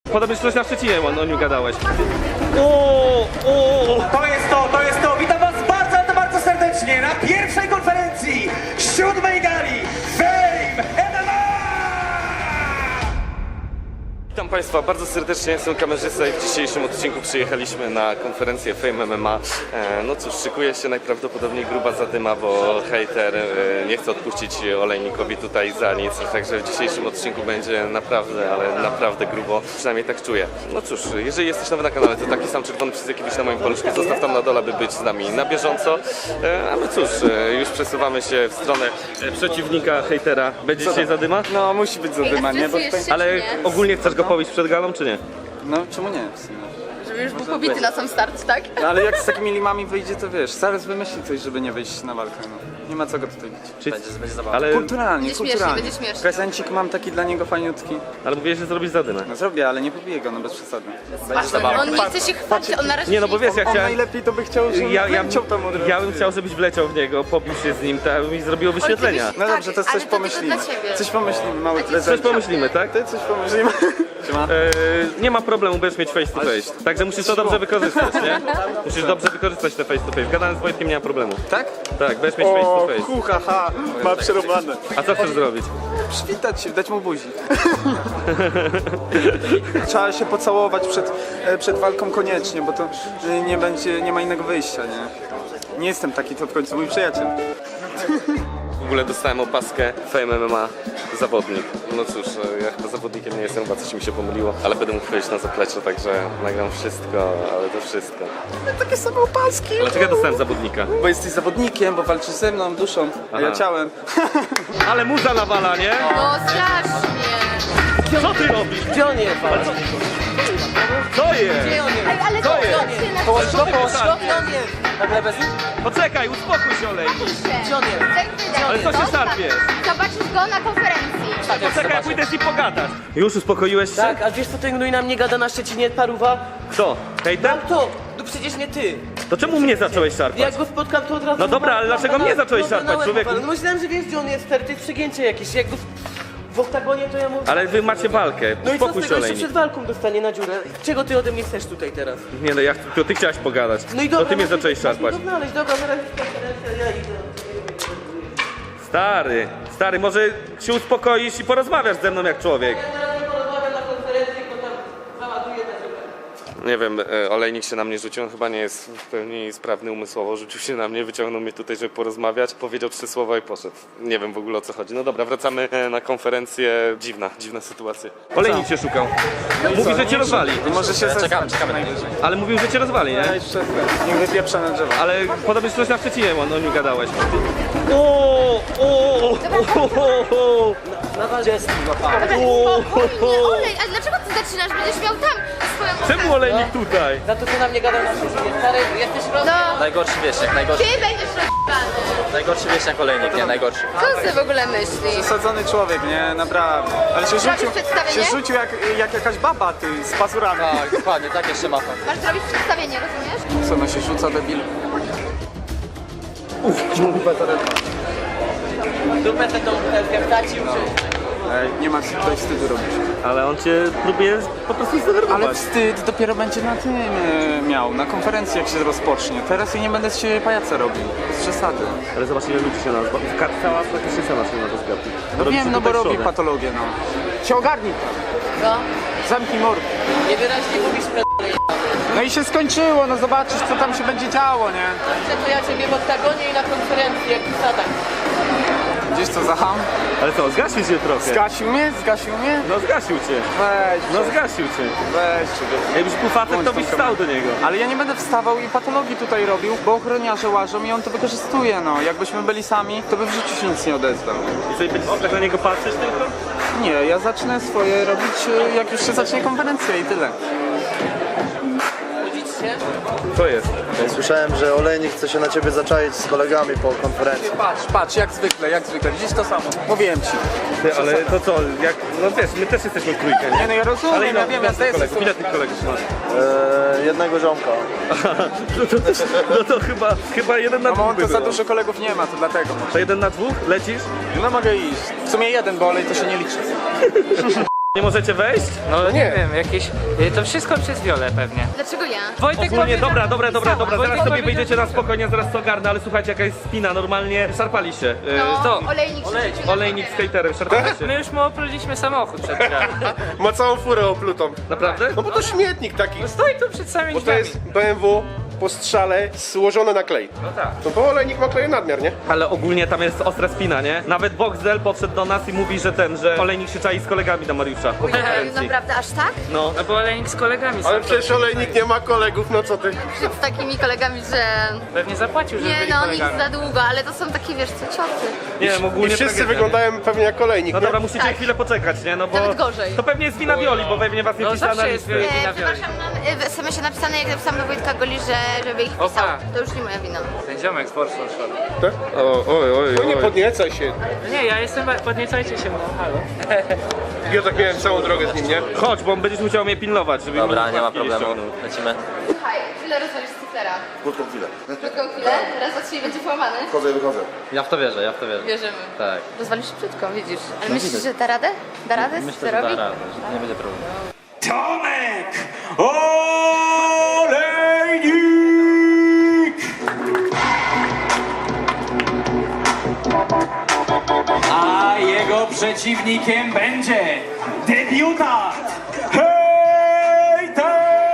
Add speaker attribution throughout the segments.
Speaker 1: Podobnie coś na Szczecinie o nim gadałeś.
Speaker 2: To jest to! Witam was bardzo, ale to bardzo serdecznie na pierwszej konferencji 7. gali Fame MMA!
Speaker 1: Witam Państwa bardzo serdecznie, jestem kamerzysta i w dzisiejszym odcinku przyjechaliśmy na konferencję Fame MMA. No cóż, szykuje się najprawdopodobniej gruba zadyma, bo hejter nie chce odpuścić olejnikowi tutaj za nic, także w dzisiejszym odcinku będzie naprawdę, ale naprawdę grubo, przynajmniej tak czuję. No cóż, jeżeli jesteś nowy na kanale, to taki sam czerwony przycisk jaki widzisz na moim paluszku, zostaw tam na dole, by być z nami na bieżąco. A my cóż, już przesuwamy się w stronę przeciwnika hejtera. Będzie dzisiaj zadyma?
Speaker 3: No musi być zadyma, nie? Bo tutaj...
Speaker 1: Ale ogólnie chcesz go pobić przed galą, czy nie?
Speaker 3: No czemu nie? W sumie.
Speaker 4: Żeby już był pobity na sam start, tak?
Speaker 3: No, ale jak z takimi limami wyjdzie, to wiesz, zaraz wymyśli coś, żeby nie wyjść na walkę, no. Nie ma co go tutaj bić.
Speaker 1: Czy... Ale,
Speaker 3: Kulturalnie,
Speaker 4: Będzie śmiesznie,
Speaker 3: kulturalnie.
Speaker 4: będzie śmiesznie.
Speaker 3: Prezencik mam taki dla niego fajniutki.
Speaker 1: ale mówiłeś, że zrobisz zadymę.
Speaker 3: No zrobię, ale nie pobiję go, no bez przesady.
Speaker 4: On nie chce się chwalić, on na razie
Speaker 1: Nie no, bo wiesz, ja
Speaker 3: On
Speaker 1: chciałem...
Speaker 3: najlepiej to by chciał, żeby wleciał tam od razu.
Speaker 1: Ja bym chciał, żebyś wleciał w niego, pobił się z nim, to mi zrobiło wyświetlenia.
Speaker 3: No
Speaker 4: Tak,
Speaker 3: dobrze, to
Speaker 4: ale
Speaker 3: coś
Speaker 4: to
Speaker 3: pomyślimy.
Speaker 4: tylko dla ciebie.
Speaker 3: Coś pomyślimy, mały
Speaker 1: Coś
Speaker 3: prezent.
Speaker 1: pomyślimy, tak?
Speaker 3: Ty coś pomyślimy. Siema.
Speaker 1: Nie ma problemu, będziesz mieć face to face. Także musisz to dobrze wykorzystać, nie? Musisz dobrze wykorzystać te face to face. Gadałem z Wojtkiem, nie ma problemu.
Speaker 3: Tak?
Speaker 1: Tak, będziesz mieć face to face.
Speaker 3: kucha, ha, ma przerobane.
Speaker 1: A co chcesz zrobić?
Speaker 3: Przywitać się, dać mu buzi. Trzeba się pocałować przed walką koniecznie, bo to nie ma innego wyjścia, nie? Nie jestem taki, to w końcu mój przyjaciel.
Speaker 1: W ogóle dostałem opaskę Fame MMA zawodnik. No cóż, ja chyba zawodnikiem nie jestem, chyba coś mi się pomyliło, ale będę mógł wejść na zaplecze, także nagram wszystko, ale to wszystko.
Speaker 3: Takie same opaski.
Speaker 1: Dlaczego ja dostałem zawodnika?
Speaker 3: Bo jesteś zawodnikiem, bo walczysz ze mną, duszą, a ja
Speaker 1: Aha.
Speaker 3: ciałem.
Speaker 1: Ale muza nawala, nie?
Speaker 4: No strasznie.
Speaker 1: Co ty robisz?
Speaker 5: Gdzie on jest?
Speaker 1: Co jest?
Speaker 5: Gdzie on jest?
Speaker 4: Ej, ale
Speaker 1: Co
Speaker 4: to
Speaker 1: jest?
Speaker 5: Połóż
Speaker 1: Co
Speaker 5: go,
Speaker 1: ty
Speaker 5: połóż go.
Speaker 1: wysadzi?
Speaker 5: Gdzie on jest? Nagle bez...
Speaker 1: Poczekaj, uspokój się, olejnik.
Speaker 5: Gdzie on jest?
Speaker 1: Ale co się szarpiesz?
Speaker 4: Zobaczysz go na konferencji.
Speaker 1: Poczekaj, ja pójdę z nim pogadać. Już uspokoiłeś się?
Speaker 5: Tak, a wiesz co ten gnój na mnie gada na Szczecinie, paruwa?
Speaker 1: Kto? Hejter?
Speaker 5: To! No przecież nie ty!
Speaker 1: To czemu mnie zacząłeś szarpać?
Speaker 5: Jak go spotkam, to od razu...
Speaker 1: No dobra, ale dlaczego mnie zacząłeś szarpać, człowieku?
Speaker 5: No myślałem, że wiesz gdzie on jest, stary, to jest przegięcie jakieś. Jak go w oktagonie, to ja mówię...
Speaker 1: Ale wy macie walkę,
Speaker 5: No i co z
Speaker 1: uspokój się,
Speaker 5: tego, jeszcze
Speaker 1: olejnik.
Speaker 5: przed walką dostanie na dziurę? Czego ty ode mnie chcesz tutaj teraz?
Speaker 1: Nie no, to ty chciałeś pogadać.
Speaker 5: No i dobra,
Speaker 1: To ty mnie
Speaker 5: no to
Speaker 1: zacząłeś
Speaker 5: masz mi
Speaker 1: szarpać.
Speaker 5: go znaleźć, dobra, zaraz jest konferencja, ja idę.
Speaker 1: Stary, może się uspokoisz i porozmawiasz ze mną jak człowiek.
Speaker 5: Ja teraz nie porozmawiam na konferencji, bo tam załaduję na dziurę.
Speaker 1: Nie wiem, olejnik się na mnie rzucił, on chyba nie jest w pełni sprawny umysłowo, rzucił się na mnie, wyciągnął mnie tutaj, żeby porozmawiać, powiedział 3 słowa i poszedł. Nie wiem w ogóle o co chodzi. No dobra, wracamy na konferencję. Dziwna sytuacja. Olejnik się szukał. Mówi, że cię rozwali.
Speaker 3: Może się czekamy najwyżej.
Speaker 1: Ale mówił, że cię rozwali, nie?
Speaker 3: Daj przed, niech wypieprza na drzewo.
Speaker 1: Ale podobnie coś na Szczecinie o nim gadałeś.
Speaker 5: Na dziecku złapałem.
Speaker 4: Spokojnie, olej, ale dlaczego ty zaczynasz? Będziesz miał tam swoją
Speaker 1: Czemu olejnik tutaj?
Speaker 5: Za to, co na mnie gadał na Szczecinie, stary, jesteś rozwój.
Speaker 4: No,
Speaker 6: Najgorszy wieśniak, najgorszy.
Speaker 4: ty będziesz rozbany.
Speaker 6: Najgorszy wieśniak olejnik, nie najgorszy.
Speaker 4: Co ty w ogóle myślisz?
Speaker 3: Przesadzony człowiek, nie? Naprawdę. Ale się rzucił,
Speaker 4: przedstawienie?
Speaker 3: się rzucił jak jakaś baba, ty, z pazurami.
Speaker 6: Tak, dokładnie, tak jeszcze mapa.
Speaker 4: Masz zrobić przedstawienie, rozumiesz?
Speaker 3: Co, no się rzuca, debil?
Speaker 5: Dupę tę tą butelkę wtacił, czy...
Speaker 3: Ej, nie ma tutaj wstydu robić.
Speaker 1: Ale on cię próbuje po prostu
Speaker 3: Ale
Speaker 1: zdenerwować.
Speaker 3: wstyd dopiero będzie na tym miał, na konferencji jak się rozpocznie. Teraz ja nie będę z siebie pajaca robił, bez przesady.
Speaker 1: Ale zobacz ile ludzi się nazwa. Cała praktycznie cała się na to zgadza.
Speaker 3: No wiem, no bo robi patologię, no. Się ogarnij,
Speaker 5: Co?
Speaker 3: zamknij mordę.
Speaker 5: Niewyraźnie mówisz p***le.
Speaker 3: No i się skończyło, no zobaczysz co tam się będzie działo, nie?
Speaker 5: Dobrze, to ja ciebie w oktagonie i na konferencji, jak w Stanach.
Speaker 3: Gdzieś co za ham?
Speaker 1: Ale co, zgasił cię trochę.
Speaker 3: Zgasił mnie? Zgasił mnie?
Speaker 1: No zgasił cię.
Speaker 3: Weź,
Speaker 1: No zgasił cię.
Speaker 3: weź. człowieku.
Speaker 1: Jakbyś był facet, to byś wstał do niego.
Speaker 3: Ale ja nie będę wstawał i patologii tutaj robił, bo ochroniarze łażą i on to wykorzystuje, no. Jakbyśmy byli sami, to by w życiu się nic nie odezwał.
Speaker 1: I sobie będziesz tak na niego patrzeć tylko?
Speaker 3: Nie, ja zacznę swoje robić, jak już się zacznie konferencja i tyle.
Speaker 5: Budzić się?
Speaker 1: Co jest?
Speaker 7: Słyszałem, że Olejnik chce się na ciebie zaczaić z kolegami po konferencji.
Speaker 3: Patrz, jak zwykle, widzisz to samo. Mówiłem ci.
Speaker 1: Ty, ale to co, jak, no wiesz, my też jesteśmy w trójkę,
Speaker 3: Nie
Speaker 1: nie?
Speaker 3: no, ja rozumiem,
Speaker 1: Ale
Speaker 3: ja wiem, ja zdaję sobie
Speaker 1: ile tych kolegów masz?
Speaker 7: Jednego ziomka.
Speaker 1: No to chyba 1 na 2
Speaker 3: No
Speaker 1: by
Speaker 3: to za
Speaker 1: było.
Speaker 3: dużo kolegów nie ma, to dlatego.
Speaker 1: To 1 na 2? Lecisz?
Speaker 3: No mogę iść. W sumie jeden, bo olej to się nie liczy.
Speaker 1: Nie możecie wejść?
Speaker 8: No nie wiem, jakieś... To wszystko przez Wiolę pewnie.
Speaker 4: Dlaczego ja?
Speaker 8: Wojtek
Speaker 1: Ogólnie,
Speaker 8: powiedział-
Speaker 1: dobra, zaraz
Speaker 8: Wojtek
Speaker 1: sobie
Speaker 8: powiedział,
Speaker 1: wyjdziecie na
Speaker 8: że-
Speaker 1: spokojnie, zaraz to ogarnę, ale słuchajcie, jaka jest spina, normalnie szarpali się.
Speaker 4: No, olejnik się rzucił na
Speaker 1: Olejnik z
Speaker 4: kamerę.
Speaker 1: hejterem, szarpali się.
Speaker 8: My już mu opluliśmy samochód przed chwilą.
Speaker 9: Ma całą furę oplutą.
Speaker 1: Naprawdę?
Speaker 9: No bo to śmietnik taki.
Speaker 8: Stoi tu przed samymi
Speaker 9: Bo to
Speaker 8: drzwiami.
Speaker 9: jest BMW po strzale złożone na klej.
Speaker 1: No tak.
Speaker 9: No bo olejnik ma kleju nadmiar, nie?
Speaker 1: Ale ogólnie tam jest ostra spina, nie? Nawet Boxdel podszedł do nas i mówi, że olejnik się czai z kolegami do Mariusza po konferencji.
Speaker 4: Naprawdę, aż tak?
Speaker 1: No.
Speaker 8: No bo olejnik z kolegami
Speaker 9: Ale
Speaker 8: sam
Speaker 9: przecież olejnik nie ma kolegów, no co ty?
Speaker 4: Z takimi kolegami, że...
Speaker 8: pewnie zapłacił, żeby
Speaker 4: Nie
Speaker 8: byli
Speaker 4: no, nic
Speaker 8: kolegami.
Speaker 4: za długo, ale to są takie, wiesz co, cioty.
Speaker 1: Nie wiem,
Speaker 9: I
Speaker 1: ogólnie
Speaker 9: wszyscy
Speaker 1: tragedia,
Speaker 9: wyglądają pewnie jak olejnik,
Speaker 1: No
Speaker 9: nie?
Speaker 1: dobra, musicie
Speaker 4: Tak.
Speaker 1: chwilę poczekać, nie? No bo
Speaker 4: Nawet gorzej.
Speaker 1: to pewnie jest wina Wioli, bo pewnie was nie
Speaker 8: No
Speaker 1: wpisała na
Speaker 8: zawsze jest
Speaker 1: listy.
Speaker 8: wina Wioli.
Speaker 4: Przepraszam, mam w SMS-ie napisane, jak napisałam do Wojtka Goli, żeby ich
Speaker 8: Opa.
Speaker 4: pisał. To już nie moja wina.
Speaker 8: Ten ziomek z Porsche szedł.
Speaker 9: Tak?
Speaker 1: Oj.
Speaker 9: No nie podniecaj się.
Speaker 8: Nie, ja jestem... Podniecajcie się, no halo.
Speaker 9: Ja tak miałem całą drogę z nim, nie?
Speaker 1: Chodź, bo będziesz musiał mnie pilnować, żeby
Speaker 6: Dobra,
Speaker 1: mi
Speaker 6: nie ma
Speaker 1: łapki
Speaker 6: problemu.
Speaker 1: ściągnął.
Speaker 6: Lecimy.
Speaker 4: Słuchaj, chwilę rozwalisz cyfera.
Speaker 7: Krótką chwilę.
Speaker 4: Krótką chwilę, raz, dwa, trzy będzie połamany.
Speaker 7: Wchodzę i wychodzę.
Speaker 6: Ja w to wierzę.
Speaker 4: Wierzymy.
Speaker 6: Tak.
Speaker 4: Rozwalisz szybciutko, widzisz. Ale
Speaker 6: No
Speaker 4: myślisz,
Speaker 6: widać.
Speaker 4: że da radę? Da radę
Speaker 6: Myślę, że da
Speaker 4: cyferowi?
Speaker 6: radę, że nie będzie problemu.
Speaker 2: Tomek Olejnik! A jego przeciwnikiem będzie debiutant Hejter!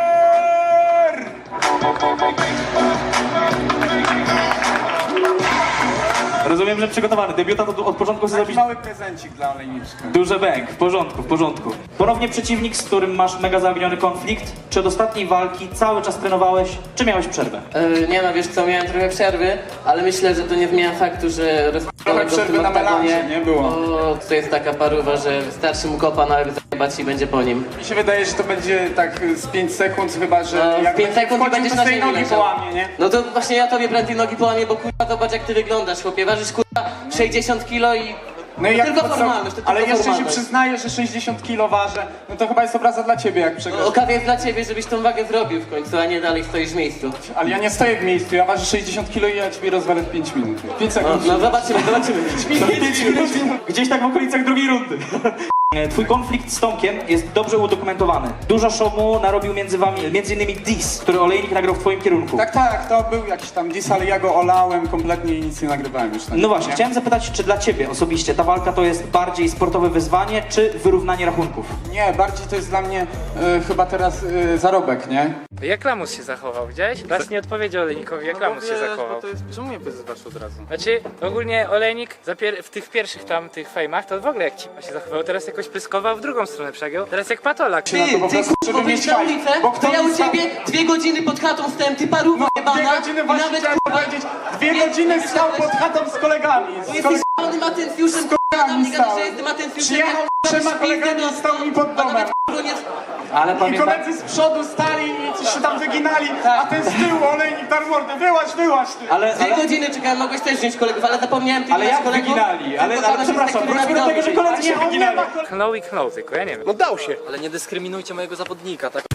Speaker 2: Rozumiem, że przygotowany. Debiutant od początku chce zrobić
Speaker 3: Mały prezencik dla olejniczka.
Speaker 2: duży bęk. W porządku, w porządku. Ponownie przeciwnik, z którym masz mega zaginiony konflikt. Czy od ostatniej walki cały czas trenowałeś, czy miałeś przerwę?
Speaker 5: Nie no, wiesz co, miałem trochę przerwy, ale myślę, że to nie zmienia faktu, że
Speaker 3: Trochę przerwy na melanże, nie było?
Speaker 5: Bo to jest taka paruwa, że wystarczy mu kopa na łeb zajebać i będzie po nim.
Speaker 3: Mi się wydaje, że to będzie tak z 5 sekund, chyba że
Speaker 5: No,
Speaker 3: jak
Speaker 5: w 5 sekund i
Speaker 3: wchodził,
Speaker 5: będziesz
Speaker 3: to
Speaker 5: na
Speaker 3: z tej
Speaker 5: ziemi
Speaker 3: nogi
Speaker 5: leżał.
Speaker 3: połamie, nie?
Speaker 5: No to właśnie ja tobie prędzej nogi połamię, bo kurwa zobacz jak ty wyglądasz, chłopie. Ważysz kurwa 60 kilo i...
Speaker 3: No i jak
Speaker 5: tylko
Speaker 3: po co-
Speaker 5: formalność, to
Speaker 3: ale
Speaker 5: tylko
Speaker 3: jeszcze się
Speaker 5: formalność.
Speaker 3: przyznaję, że 60 kilo ważę, no to chyba jest obraza dla ciebie, jak przegrasz.
Speaker 5: Okazja jest dla ciebie, żebyś tą wagę zrobił w końcu, a nie dalej stoisz w miejscu.
Speaker 3: Ale ja nie stoję w miejscu, ja ważę 60 kilo i ja ciebie rozwalę w 5 minut. 5 sekund.
Speaker 5: No zobaczymy.
Speaker 3: 5 minut.
Speaker 2: Gdzieś tak w okolicach drugiej rundy. Twój konflikt z Tomkiem jest dobrze udokumentowany. Dużo szumu narobił między wami, m.in. diss, który olejnik nagrał w twoim kierunku.
Speaker 3: Tak, to był jakiś tam diss, ale ja go olałem kompletnie i nic nie nagrywałem już.
Speaker 2: No właśnie, chciałem zapytać, czy dla ciebie osobiście ta walka to jest bardziej sportowe wyzwanie, czy wyrównanie rachunków?
Speaker 3: Nie, bardziej to jest dla mnie chyba teraz zarobek, nie?
Speaker 8: Jak Lamus się zachował, widziałeś? Raz nie odpowiedział olejnikowi, jak Lamus się zachował.
Speaker 3: Czemu mnie wyzywasz od razu?
Speaker 8: Znaczy, ogólnie olejnik w tych pierwszych tam, tych fejmach, to w ogóle jak cipa się zachował, teraz jakoś pyskował w drugą stronę przegiął, teraz jak patolak.
Speaker 3: Ty, po prostu, żeby mieć
Speaker 5: na
Speaker 3: hajs.
Speaker 5: ulicę,
Speaker 3: Bo
Speaker 5: to
Speaker 3: kto
Speaker 5: ja
Speaker 3: mi
Speaker 5: u
Speaker 3: stał-
Speaker 5: ciebie 2 godziny pod chatą stałem, ty paruwa
Speaker 3: No,
Speaker 5: jebana.
Speaker 3: 2 godziny
Speaker 5: i
Speaker 3: właśnie
Speaker 5: nawet
Speaker 3: chciałem
Speaker 5: kurwa,
Speaker 3: powiedzieć. 2 godziny stał pod chatą z kolegami.
Speaker 5: Bo jesteś z***nym atencjuszem, na
Speaker 3: kolegami
Speaker 5: mnie gadasz,
Speaker 3: stałem.
Speaker 5: że jestem atencjuszem.
Speaker 3: Przyjechał
Speaker 5: jak
Speaker 3: 3
Speaker 5: robisz
Speaker 3: kolegami
Speaker 5: pizdę,
Speaker 3: i stał mi pod
Speaker 5: a
Speaker 3: domem.
Speaker 5: nawet kurwa nie...
Speaker 2: Ale
Speaker 3: I
Speaker 2: pamiętam...
Speaker 3: koledzy z przodu stali i coś się tam wyginali, a ten z tyłu olejnik dar mordę, wyłaź ty.
Speaker 2: Ale,
Speaker 5: 2 godziny czekałem, mogłeś też wziąć kolegów, ale zapomniałem tych
Speaker 2: ale jak
Speaker 5: kolegów.
Speaker 2: wyginali? Ale
Speaker 5: Tylko
Speaker 2: przepraszam,
Speaker 5: taki
Speaker 2: wróćmy do tego, że koledzy się
Speaker 3: Nie, on nie
Speaker 2: wyginali.
Speaker 3: ma
Speaker 8: Knął i knął tylko, ja nie wiem.
Speaker 9: No dał się.
Speaker 6: Ale nie dyskryminujcie mojego zawodnika, tak?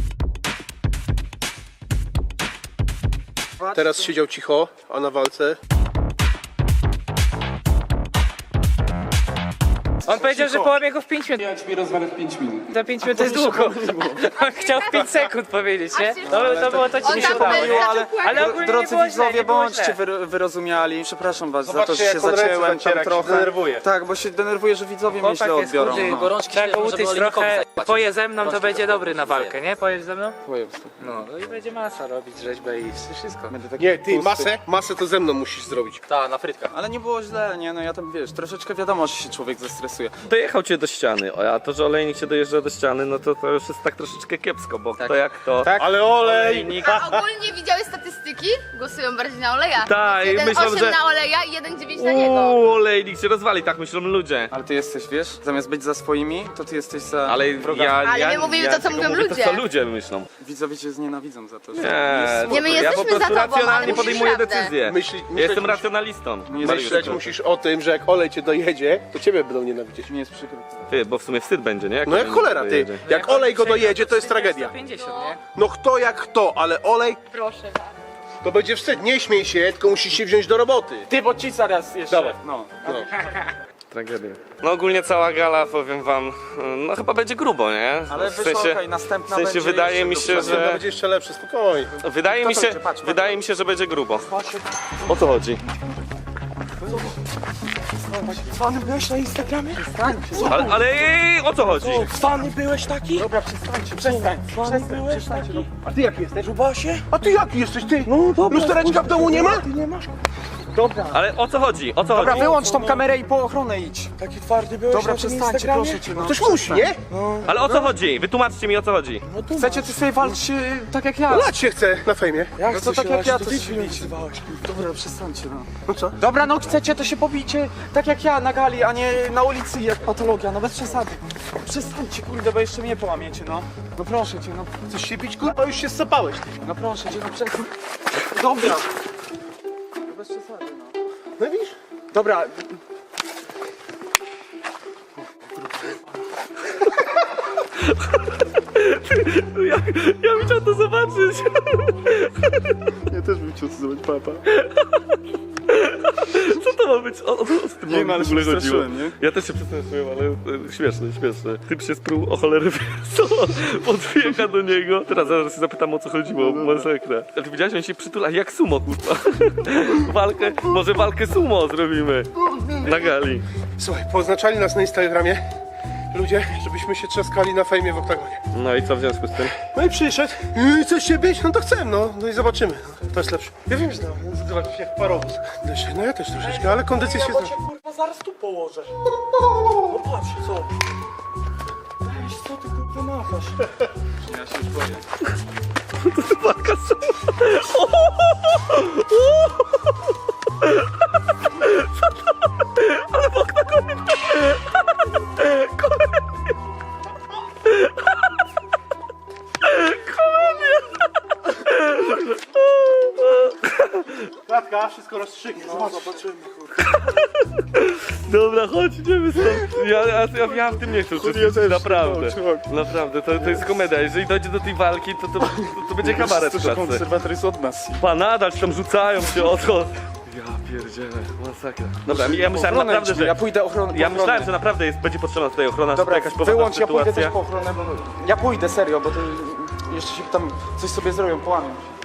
Speaker 9: Teraz siedział cicho, a na walce...
Speaker 8: On powiedział, że połamie go w 5 minut.
Speaker 3: Ja ciebie rozwalę w 5 minut.
Speaker 8: Za 5 minut to jest długo. On chciał w 5 sekund powiedzieć, nie? To było to, co mi się
Speaker 4: tam
Speaker 8: udało.
Speaker 4: był,
Speaker 8: Ale ogólnie nie
Speaker 3: Drodzy
Speaker 8: było źle,
Speaker 3: widzowie,
Speaker 8: nie było
Speaker 3: bądźcie
Speaker 8: źle.
Speaker 3: wyrozumiali. Przepraszam was za to,
Speaker 9: Zobaczcie,
Speaker 3: że się
Speaker 9: jak on ręce
Speaker 3: zacięłem tam
Speaker 9: zaciera, jak się
Speaker 3: trochę.
Speaker 9: denerwuje.
Speaker 3: Tak, bo się denerwuję, że widzowie mnie
Speaker 8: Chłopak
Speaker 3: źle
Speaker 8: jest
Speaker 3: odbiorą.
Speaker 8: chudy,
Speaker 3: No.
Speaker 6: Gorączki
Speaker 8: Trzeba go
Speaker 6: śmieją, żeby
Speaker 8: utyć
Speaker 6: olejnikowi
Speaker 8: trochę,
Speaker 6: zajebać.
Speaker 8: poje ze mną, to
Speaker 6: Gorączki
Speaker 8: będzie
Speaker 6: śmieją,
Speaker 8: dobry na walkę, nie? Pojesz ze mną?
Speaker 3: Powiem.
Speaker 8: No i będzie masa robić rzeźbę i wszystko.
Speaker 3: Będę taki
Speaker 9: Nie, ty,
Speaker 3: tłusty.
Speaker 9: masę to ze mną musisz zrobić.
Speaker 6: Ta, na frytkach.
Speaker 3: Ale nie było źle, nie? No ja tam, wiesz, troszeczkę wiadomo, że się człowiek zestresuje.
Speaker 1: Dojechał cię do ściany, a to, że olejnik się dojeżdża do ściany, no to już jest tak troszeczkę kiepsko, bo kto jak to...
Speaker 9: Tak, ale olej!
Speaker 1: Olejnik.
Speaker 4: A ogólnie widziałeś statystyki? Głosują bardziej na oleja.
Speaker 1: Tak, i myślą,
Speaker 4: 1,8
Speaker 1: że-
Speaker 4: na oleja i 1,9 na niego.
Speaker 1: Olejnik się rozwali, tak myślą ludzie.
Speaker 3: Ale ty jesteś, wiesz, zamiast być za swoimi, to ty jesteś za
Speaker 1: Ale
Speaker 3: wrogami.
Speaker 1: ja
Speaker 4: Ale my mówimy to, co
Speaker 1: tylko
Speaker 4: mówią
Speaker 1: mówię
Speaker 4: ludzie.
Speaker 1: To, co ludzie myślą.
Speaker 3: Widzowie cię znienawidzą za to, że...
Speaker 1: Nie,
Speaker 4: Nie, my
Speaker 1: ja po
Speaker 4: jesteśmy za
Speaker 1: prostu
Speaker 4: tobą, ale
Speaker 1: racjonalnie
Speaker 4: mówisz
Speaker 1: podejmuję
Speaker 4: prawdę.
Speaker 1: decyzję.
Speaker 9: Myśleć
Speaker 1: Jestem
Speaker 9: musisz-
Speaker 1: racjonalistą.
Speaker 9: Myśleć musisz o tym, że jak olej cię dojedzie, to ciebie będą nienawidzieć.
Speaker 3: Mi jest przykro.
Speaker 1: Ty, bo w sumie wstyd będzie, nie?
Speaker 9: No jak
Speaker 1: olejnik
Speaker 9: cholera, ty.
Speaker 1: dojedzie.
Speaker 9: Jak olej go dojedzie, to jest tragedia.
Speaker 8: 150, nie?
Speaker 9: No kto jak kto, ale olej
Speaker 4: Proszę bardzo.
Speaker 9: to będzie wstyd. Nie śmiej się, tylko musisz się wziąć do roboty.
Speaker 3: Ty, bo ci zaraz jeszcze.
Speaker 9: Dawaj.
Speaker 3: No.
Speaker 1: Tragedia. No ogólnie cała gala, powiem wam, no chyba będzie grubo, nie?
Speaker 3: Ale
Speaker 1: w
Speaker 3: wyszło
Speaker 1: sensie,
Speaker 3: okej, następna
Speaker 1: w sensie
Speaker 3: będzie
Speaker 1: wydaje
Speaker 3: jeszcze
Speaker 1: mi się,
Speaker 3: grubsza.
Speaker 9: To
Speaker 1: że...
Speaker 9: będzie jeszcze lepsze, spokojnie.
Speaker 1: Wydaje mi się,
Speaker 3: będzie? Patrz.
Speaker 1: wydaje mi się, że będzie grubo. O co chodzi?
Speaker 3: Fany byłeś na Instagramie?
Speaker 1: Ale o co chodzi?
Speaker 3: Fany byłeś taki? Dobra, przestańcie.
Speaker 9: A ty jaki jesteś? Rubasie? A ty jaki jesteś, ty? No dobra. Lustereczka w domu nie ma?
Speaker 3: Ty nie masz?
Speaker 1: Ale o co chodzi? O co
Speaker 3: Dobra,
Speaker 1: chodzi?
Speaker 3: wyłącz tą kamerę i po ochronę idź.
Speaker 9: Taki twardy byłeś
Speaker 3: Dobra, przestańcie, proszę cię. No.
Speaker 9: Ktoś musi, nie?
Speaker 1: Ale o co chodzi? Wytłumaczcie mi, o co chodzi.
Speaker 3: Chcecie ty sobie walczyć tak jak ja?
Speaker 9: No lać się chce na fejmie.
Speaker 3: No to tak jak ja, to się bijcie. Dobra, przestańcie, no.
Speaker 9: No co?
Speaker 3: Dobra, no chcecie, to się pobijcie tak jak ja na gali, a nie na ulicy jak patologia, no bez przesady. Przestańcie, kurde, bo jeszcze mnie połamiecie, no. No proszę cię, no.
Speaker 9: Chcesz się pić, kurwa, już się zsapałeś.
Speaker 3: No proszę cię, no przestań. Dobra. No bez przesady, no.
Speaker 9: No widzisz?
Speaker 3: Dobra.
Speaker 1: Ja bym chciał to zobaczyć.
Speaker 9: Ja też bym chciał zobaczyć papa.
Speaker 1: Co to ma być? O co z tym
Speaker 3: Nie wiem, ale
Speaker 1: w ogóle
Speaker 3: się
Speaker 1: chodziło?
Speaker 3: przestraszyłem, nie?
Speaker 1: Ja też się przestraszyłem, ale śmieszne. Typ się sprół o cholerę co? Podbiega do niego. Teraz zaraz się zapytam, o co chodziło, masakra. Ale ty widziałeś, on się przytula jak sumo, kurwa. Może walkę sumo zrobimy na gali.
Speaker 9: Słuchaj, poznaczali nas na Instagramie ludzie, żebyśmy się trzaskali na fejmie w oktagonie.
Speaker 1: No i co w związku z tym?
Speaker 9: No i przyszedł, i coś się bić, no to chcę, no i zobaczymy. To jest lepsze. Ja wiem, że zobacz, jak parowóz. No ja też troszeczkę, ale kondycja się zna.
Speaker 3: Kurwa, zaraz tu położę. No patrz, co? Weź, co ty kurwa machasz? Ja się już boję.
Speaker 1: Walka sumo. Ale w oktagonie.
Speaker 9: Klatka, wszystko rozstrzygnie, zobaczymy.
Speaker 1: Dobra, chodź, idziemy stąd. Ja w tym nie chcę uczestniczyć, naprawdę. Naprawdę, to jest komedia. Jeżeli dojdzie do tej walki, to będzie kabaret w klatce.
Speaker 3: Konserwator jest od nas.
Speaker 1: Pa, nadal się tam rzucają się o to. Ja pierdzielę, masakra. Dobra, ja myślałem
Speaker 3: Ochronę
Speaker 1: naprawdę,
Speaker 3: idź,
Speaker 1: że...
Speaker 3: ja pójdę ochronę.
Speaker 1: Ja myślałem, że naprawdę będzie potrzebna tutaj ochrona,
Speaker 3: Dobra,
Speaker 1: jakaś poważna
Speaker 3: wyłącz, ja pójdę
Speaker 1: sytuacja.
Speaker 3: też po ochronę, bo... Ja pójdę, serio, bo to jeszcze się tam coś sobie zrobią, połamią się.